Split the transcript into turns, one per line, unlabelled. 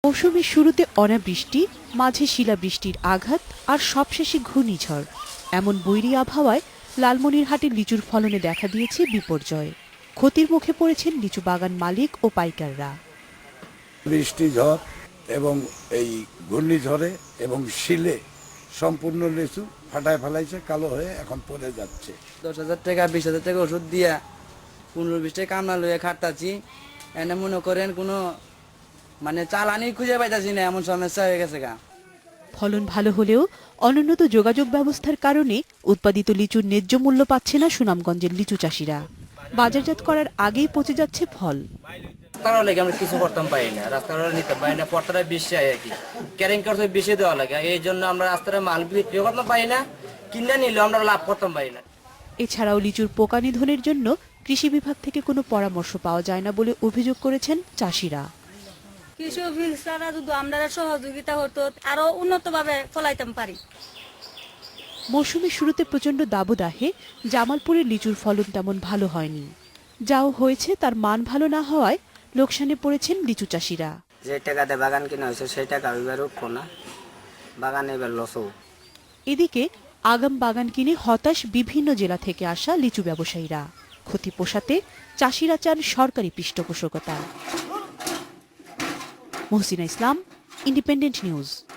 মৌসুমের শুরুতে অনাবৃষ্টি, মাঝে শিলাবৃষ্টির আঘাত আর সবশেষে ঘূর্ণিঝড়, এমন বৈরী আবহাওয়ায় লালমনিরহাটের লিচুর ফলনে দেখা দিয়েছে বিপর্যয়। ক্ষতির মুখে পড়েছেন লিচু বাগান মালিক ও পাইকাররা।
বৃষ্টি, ঝড় এবং এই ঘূর্ণিঝড়ে এবং শিলে সম্পূর্ণ লিচু ফাটায় ফেলাইছে, কালো হয়ে এখন পড়ে যাচ্ছে।
10,000 টাকা 20,000 টাকা ওষুধ দিয়া 15-20 টাকা কামলা লইয়া খাটাচ্ছি, এনে মনে করেন কোনো চালানি খুঁজে পাইতাছি না, এমন সমস্যা হয়ে গেছে গা।
ফলন ভালো হলেও অনুন্নত যোগাযোগ ব্যবস্থার কারণে উৎপাদিত লিচুর ন্যায্য মূল্য পাচ্ছে না সুনামগঞ্জের লিচু চাষিরা। বাজারজাত করার আগেই পচে যাচ্ছে ফল।
রাস্তার লেগে আমরা কিছু করতাম পারি না, রাস্তার নিতে পারি না, পট্টাটা বেশি হয় আর কি, ক্যারিং খরচ বেশি দেওয়া লাগে, এই জন্য আমরা রাস্তার মাল বিক্রি করতাম পারি না, কিনে নিলেও আমরা লাভ করতাম পারি না।
এছাড়াও লিচুর পোকা নিধনের জন্য কৃষি বিভাগ থেকে কোনো পরামর্শ পাওয়া যায় না বলে অভিযোগ করেছেন চাষিরা।
কৃষি অফিসাররা যদি আমরা সহযোগিতা হতো আরো উন্নতভাবে ফলাইতাম পারি।
মৌসুমের শুরুতে প্রচণ্ড দাবদাহে জামালপুরের লিচুর ফলন তেমন ভালো হয়নি। যাও হয়েছে তার মান ভালো না হওয়ায় লোকসানে পড়েছেন লিচু চাষিরা।
যে টাকাতে বাগান কিনা হয়েছে সেই টাকা এবার উঠবো না, বাগানে এবার লসও।
এদিকে আগাম বাগান কিনে হতাশ বিভিন্ন জেলা থেকে আসা লিচু ব্যবসায়ীরা। ক্ষতি পোষাতে চাষিরা চান সরকারি পৃষ্ঠপোষকতা। Mohsina Islam, independent news.